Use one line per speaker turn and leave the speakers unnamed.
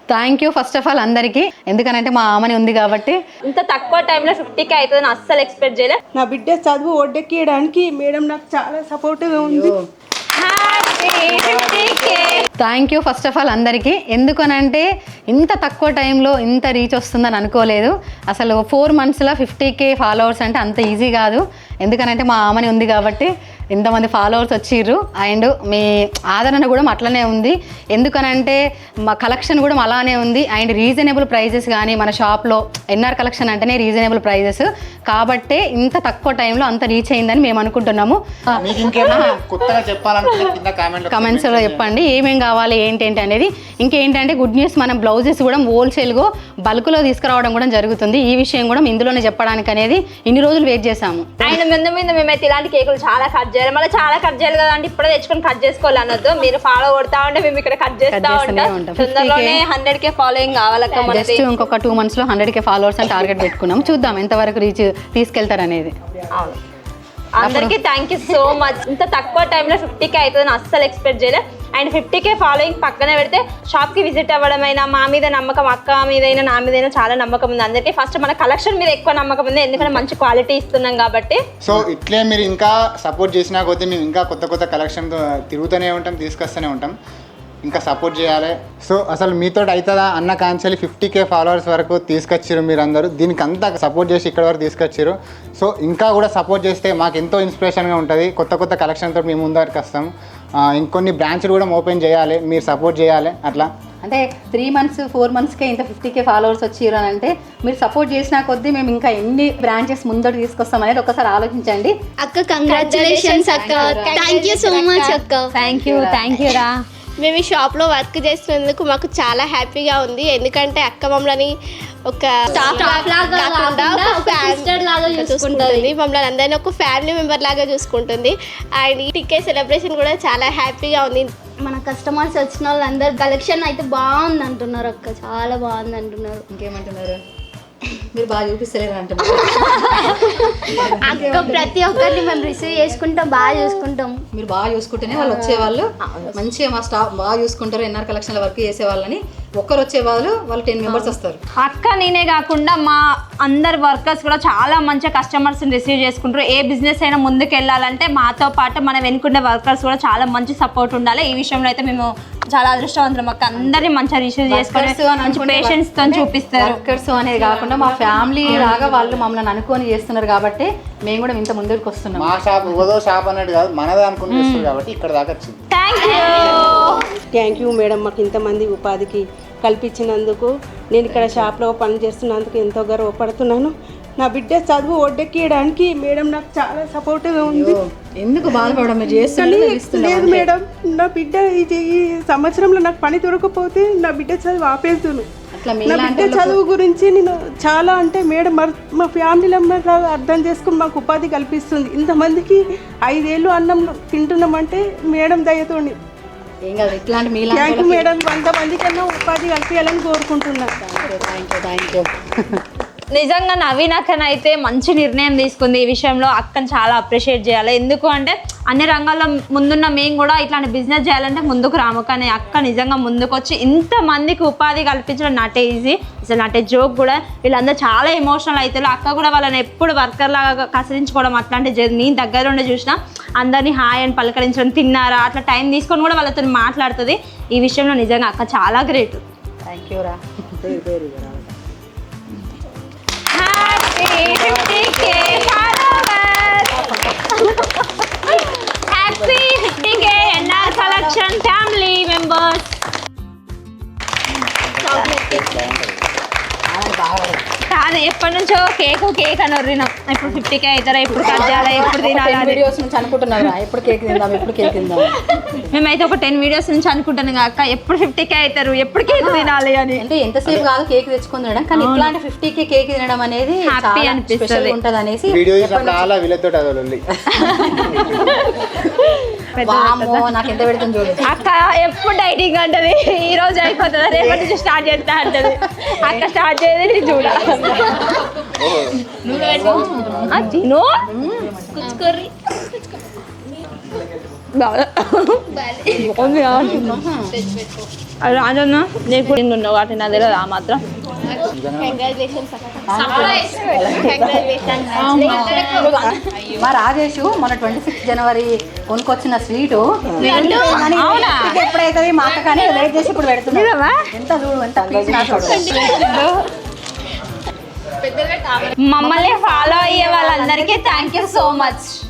Thank you first of all అందరికీ. ఎందుకనంటే మా ఆమెని ఉంది కాబట్టి.
ఇంత తక్కువ టైంలో 50K అవుతుందని అస్సలు ఎక్స్పెక్ట్ చేయలేదు.
నా బిడ్డ చదువు ఒడ్డెక్కియడానికి మేడం నాకు చాలా సపోర్ట్గా ఉంది.
Thank you first of all అందరికీ. ఎందుకనంటే ఇంత తక్కువ టైంలో ఇంత రీచ్ వస్తుందని అనుకోలేదు. అసలు 4 monthsలో 50K ఫాలోవర్స్ అంటే అంత ఈజీ కాదు. ఎందుకనంటే మా ఆమెని ఉంది కాబట్టి ఇంతమంది ఫాలోవర్స్ వచ్చిర్రు. అండ్ మీ ఆదరణ కూడా అట్లనే ఉంది. ఎందుకనంటే మా కలెక్షన్ కూడా అలానే ఉంది. అండ్ రీజనబుల్ ప్రైజెస్ కానీ మన షాప్లో ఎన్ఆర్ కలెక్షన్ అంటేనే రీజనబుల్ ప్రైజెస్ కాబట్టే ఇంత తక్కువ టైంలో అంత రీచ్ అయిందని మేము అనుకుంటున్నాము. కమెంట్స్లో చెప్పండి ఏమేం కావాలి ఏంటంటే అనేది. ఇంకేంటంటే గుడ్ న్యూస్, మనం బ్లౌజెస్ కూడా హోల్సేల్గా బల్క్లో తీసుకురావడం కూడా జరుగుతుంది. ఈ విషయం కూడా ఇందులోనే చెప్పడానికి అనేది ఇన్ని రోజులు వెయిట్ చేసాము.
ఆయన ముందు మేమైతే ఇలాంటి కేకులు చాలా కట్ చేయాలి, మళ్ళీ చాలా కట్ చేయాలి కదా అంటే ఇప్పుడే తెచ్చుకొని కట్ చేసుకోవాలి అన్నది. మీరు ఫాలో కొడతా ఉంటే మేము ఇక్కడ కట్ చేస్తూ ఉంటాం. తొందరలోనే 100K ఫాలోయింగ్ కావాలక్క.
జస్ట్ ఇంకొక 2 monthsలో 100K ఫాలోవర్స్ అని టార్గెట్ పెట్టుకున్నాం. చూద్దాం ఎంతవరకు రీచ్ తీసుకెళ్తారనేది.
అవును, అందరికీ థ్యాంక్ యూ సో మచ్. ఇంత తక్కువ టైంలో 50K అవుతుందని అస్సలు ఎక్స్పెక్ట్ చేయలేదు. అండ్ 50K ఫాలోయింగ్ పక్కన పెడితే షాప్కి విజిట్ అవ్వడమైనా మా మీద నమ్మకం, అక్క మీదైనా నా మీదైనా చాలా నమ్మకం ఉంది అందరికీ. ఫస్ట్ మన కలెక్షన్ మీద ఎక్కువ నమ్మకం ఉంది, ఎందుకంటే మంచి క్వాలిటీ ఇస్తున్నాం కాబట్టి.
సో ఇట్లే మీరు ఇంకా సపోర్ట్ చేసినా కొద్దీ మేము ఇంకా కొత్త కలెక్షన్ తిరుగుతూనే ఉంటాం, తీసుకొస్తూనే ఉంటాం. ఇంకా సపోర్ట్ చేయాలి. సో అసలు మీతో అవుతుందా అన్న కాంచెల్లి 50K ఫాలోవర్స్ వరకు తీసుకొచ్చారు మీరు అందరూ. దీనికి అంతా సపోర్ట్ చేసి ఇక్కడ వరకు తీసుకొచ్చారు. సో ఇంకా కూడా సపోర్ట్ చేస్తే మాకు ఎంతో ఇన్స్పిరేషన్గా ఉంటుంది. కొత్త కలెక్షన్తో మేము ముందరికి వస్తాం. ఇంకొన్ని బ్రాంచ్లు కూడా ఓపెన్ చేయాలి, మీరు సపోర్ట్ చేయాలి. అట్లా
అంటే 3 months 4 monthsకే ఇంత 50K ఫాలోవర్స్ వచ్చిర్రు అని అంటే మీరు సపోర్ట్ చేసిన కొద్దీ మేము ఇంకా ఎన్ని బ్రాంచెస్ ముందడు తీసుకొస్తాం అనేది ఒకసారి ఆలోచించండి.
అక్క కంగ్రాచులేషన్స్ అక్క, థ్యాంక్ యూ సో మచ్ అక్క.
థ్యాంక్ యూ రా.
మేము ఈ షాప్లో వర్క్ చేస్తున్నందుకు మాకు చాలా హ్యాపీగా ఉంది. ఎందుకంటే అక్క మమ్మల్ని ఒక చూసుకుంటుంది, మమ్మల్ని అందరినీ ఒక ఫ్యామిలీ మెంబర్ లాగా చూసుకుంటుంది. అండ్ ఈ టికెట్ సెలబ్రేషన్ కూడా చాలా హ్యాపీగా ఉంది.
మన కస్టమర్స్ వచ్చిన వాళ్ళందరూ కలెక్షన్ అయితే బాగుంది అంటున్నారు అక్క, చాలా బాగుంది అంటున్నారు.
ఇంకేమంటున్నారు? మీరు బాగా చూపిస్తలేరు అంటున్నారు.
అక్క ప్రతి ఒక్కరిని మేము రిసీవ్ చేసుకుంటాం, బాగా చూసుకుంటాం.
మీరు బాగా చూసుకుంటేనే వాళ్ళు వచ్చేవాళ్ళు మంచిగా మా స్టాఫ్ బాగా చూసుకుంటారు. ఎన్ఆర్ కలెక్షన్ల వర్క్ చేసే వాళ్ళని ఒక్కరు వచ్చేవాళ్ళు 10 members వస్తారు.
అక్క నేనే కాకుండా మా అందరు వర్కర్స్ కూడా చాలా మంచిగా కస్టమర్స్ని రిసీవ్ చేసుకుంటారు. ఏ బిజినెస్ అయినా ముందుకు వెళ్ళాలంటే మాతో పాటు మన వెనుకుండే వర్కర్స్ కూడా చాలా మంచి సపోర్ట్ ఉండాలి. ఈ విషయంలో అయితే మేము చాలా అదృష్టవంతులం అక్క. అందరినీ మంచిగా రిసీవ్ చేసుకొని పేషెన్స్ తో చూపిస్తారు.
వర్కర్స్ అనేది కాకుండా మా ఫ్యామిలీ లాగా వాళ్ళు మమ్మల్ని అనుకొని చేస్తున్నారు కాబట్టి మేము కూడా ఇంత ముందుకు వస్తున్నాం.
మా షాప్ ఓదో షాప్ అన్నట్టు కాదు, మనదే అనుకుని చేస్తారు కాబట్టి ఇక్కడ దాకా వచ్చింది.
థ్యాంక్ యూ మేడం, మాకు ఇంతమంది ఉపాధికి కల్పించినందుకు. నేను ఇక్కడ షాప్లో పని చేస్తున్నందుకు ఎంతో గర్వపడుతున్నాను. నా బిడ్డ చదువు ఒడ్డెక్కియడానికి మేడం నాకు చాలా సపోర్ట్గా ఉంది.
ఎందుకు బాధపడడం?
లేదు మేడం, నా బిడ్డ ఈ సంవత్సరంలో నాకు పని దొరకకపోతే నా బిడ్డ చదువు ఆపేస్తును. నా బిడ్డ చదువు గురించి నేను చాలా అంటే మేడం మా ఫ్యామిలీ మెంబర్ లాగా అర్థం చేసుకుని మాకు ఉపాధి కల్పిస్తుంది. ఇంతమందికి 5 ఏళ్ళు అన్నం తింటున్నామంటే మేడం దయతోని. థ్యాంక్ యూ మేడం, 100 మందికన్నా ఉపాధి కల్పించాలని కోరుకుంటున్నాను.
నిజంగా నవీన్ అక్కనైతే మంచి నిర్ణయం తీసుకుంది. ఈ విషయంలో అక్కని చాలా అప్రిషియేట్ చేయాలి. ఎందుకు అంటే అన్ని రంగాల్లో ముందున్న మేము కూడా ఇట్లాంటి బిజినెస్ చేయాలంటే ముందుకు రాము, కానీ అక్క నిజంగా ముందుకు వచ్చి ఇంతమందికి ఉపాధి కల్పించడం నాటే ఈజీ, అసలు నాటే జోక్ కూడా. వీళ్ళందరూ చాలా ఎమోషనల్ అవుతారు. అక్క కూడా వాళ్ళని ఎప్పుడు వర్కర్ లాగా కసరించుకోవడం అట్లాంటివి నేను దగ్గర ఉండి చూసిన. అందరినీ హాయ్ అని పలకరించడం, తిన్నారా అట్లా టైం తీసుకొని కూడా వాళ్ళతో మాట్లాడుతుంది. ఈ విషయంలో నిజంగా అక్క చాలా గ్రేట్.
థ్యాంక్ యూ రా.
Happy 50K NR Collection family members. కాదు ఎప్పటి నుంచో కేక్ అని వరినాం. ఇప్పుడు 50K అవుతారా, ఎప్పుడు కట్ చేయాలి, ఎప్పుడు తినాలి
వీడియోస్ నుంచి అనుకుంటున్నారా ఎప్పుడు కేక్ తిందాం.
మేమైతే ఒక 10 వీడియోస్ నుంచి అనుకుంటాను కాక ఎప్పుడు 50K అవుతారు, ఎప్పుడు కేక్ తినాలి అని.
అంటే ఎంతసేపు కాదు కేక్ తెచ్చుకొని తినడం, కానీ ఇట్లాంటి 50K కేక్ తినడం అనేది
హ్యాపీ అనిపిస్తుంది
ఉంటుంది అనేసి నాకు ఎంత పెడుతుంది చూడు.
అక్క ఎప్పుడు డైటింగ్ అంటది, ఈ రోజు అయిపోతుంది రేపటి నుంచి స్టార్ట్ చేస్తా అంటది. అక్క స్టార్ట్ చేయదు చూడ తిను. రాజన్న నీకు కూడా ఉన్నావు కాబట్టి నా దగ్గర ఆ మాత్రం
కంగ్రాచులేషన్స్
మా రాజేష్ మన 26 జనవరి కొనుక్కొచ్చిన స్వీటు
అవునా?
ఎప్పుడైతే మా అక్క కానీ వెయిట్ చేసి ఇప్పుడు పెడుతున్నా ఎంత చూడు ఎంత
మమ్మల్ని ఫాలో అయ్యే వాళ్ళందరికీ థ్యాంక్ యూ సో మచ్.